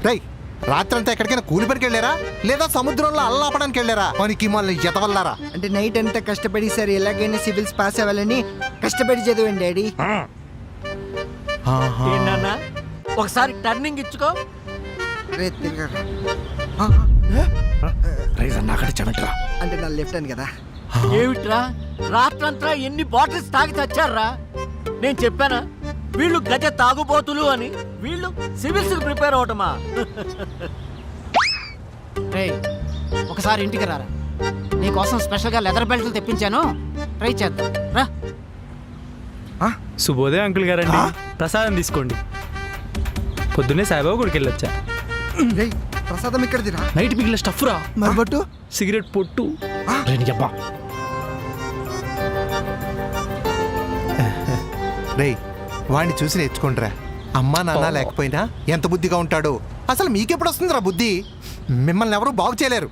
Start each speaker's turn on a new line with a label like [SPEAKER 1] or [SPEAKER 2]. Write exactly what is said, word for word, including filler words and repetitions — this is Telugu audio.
[SPEAKER 1] రై రాత్రంతా ఎక్కడికైనా కూలి పనికి వెళ్ళారా లేదా సముద్రంలో అల్లాపడానికి వెళ్ళారా పనికి మళ్ళీ ఎతవల్లారా?
[SPEAKER 2] అంటే నైట్ అంతా కష్టపడి సార్ ఎలాగైనా సివిల్స్ పాస్ అవ్వాలని కష్టపడి చదివండి డాడీ.
[SPEAKER 3] ఏంటన్నా ఒకసారి టర్నింగ్ ఇచ్చుకో.
[SPEAKER 2] రే తిరగరా. అంటే నా లెఫ్ట్ హ్యాండ్ కదా.
[SPEAKER 3] ఏమిట్రా రాత్రంతా ఎన్ని బాటిల్స్ తాగి చచ్చారా? నేను చెప్పానా వీళ్ళు గజ తాగుబోతులు అని? వీళ్ళు సివిల్స్ ప్రిపేర్ అవటమా?
[SPEAKER 4] రేయ్ ఒకసారి ఇంటికి రారా, నీకోసం స్పెషల్గా లెదర్ బెల్ట్లు తెప్పించాను, ట్రై చేద్దాం రా.
[SPEAKER 5] శుభోదయం అంకుల్ గారండి, ప్రసాదం తీసుకోండి. పొద్దున్నే సాయిబాబా గుడికి వెళ్ళొచ్చా.
[SPEAKER 2] రేయ్ ప్రసాదం ఇక్కడిదిరా.
[SPEAKER 5] నైట్ మిగిలిన స్టఫ్ రా.
[SPEAKER 2] మరి బట్టు
[SPEAKER 5] సిగరెట్ పొట్టు. అబ్బా
[SPEAKER 1] రే వాడిని చూసి నేర్చుకుంటారా. అమ్మా నాన్న లేకపోయినా ఎంత బుద్ధిగా ఉంటాడో. అసలు మీకెప్పుడు వస్తుందిరా బుద్ధి? మిమ్మల్ని ఎవరూ బాగు చేయలేరు.